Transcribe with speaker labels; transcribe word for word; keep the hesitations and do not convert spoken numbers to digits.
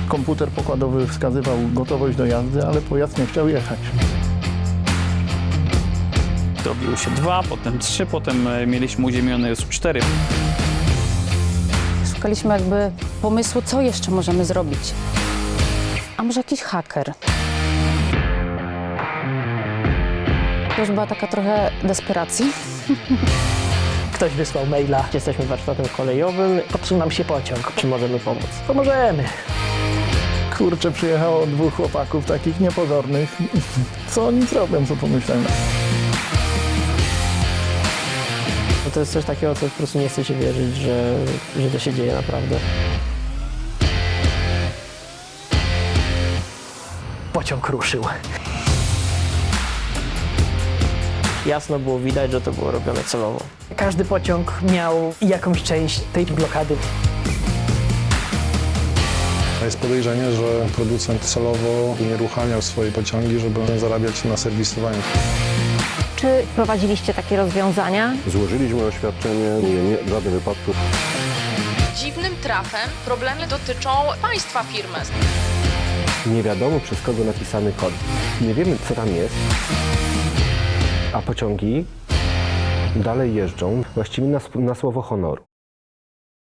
Speaker 1: Komputer pokładowy wskazywał gotowość do jazdy, ale pojazd nie chciał jechać.
Speaker 2: Robiło się dwa, potem trzy, potem mieliśmy uziemione już cztery.
Speaker 3: Szukaliśmy jakby pomysłu, co jeszcze możemy zrobić. A może jakiś haker? To już była taka trochę desperacji.
Speaker 4: Ktoś wysłał maila, jesteśmy warsztatem kolejowym, popsuł nam się pociąg, czy możemy pomóc? Pomożemy.
Speaker 1: Kurczę, przyjechało dwóch chłopaków takich niepozornych. Co oni zrobią, co pomyślałem?
Speaker 4: No to jest coś takiego, co po prostu nie chce się wierzyć, że, że to się dzieje naprawdę. Pociąg ruszył. Jasno było widać, że to było robione celowo. Każdy pociąg miał jakąś część tej blokady.
Speaker 5: Jest podejrzenie, że producent celowo unieruchamiał swoje pociągi, żeby zarabiać na serwisowaniu.
Speaker 6: Czy prowadziliście takie rozwiązania?
Speaker 7: Złożyliśmy oświadczenie, nie, nie, żadnych wypadków.
Speaker 8: Dziwnym trafem problemy dotyczą państwa firmy.
Speaker 7: Nie wiadomo, przez kogo napisany kod. Nie wiemy, co tam jest, a pociągi dalej jeżdżą właściwie na, na słowo honoru.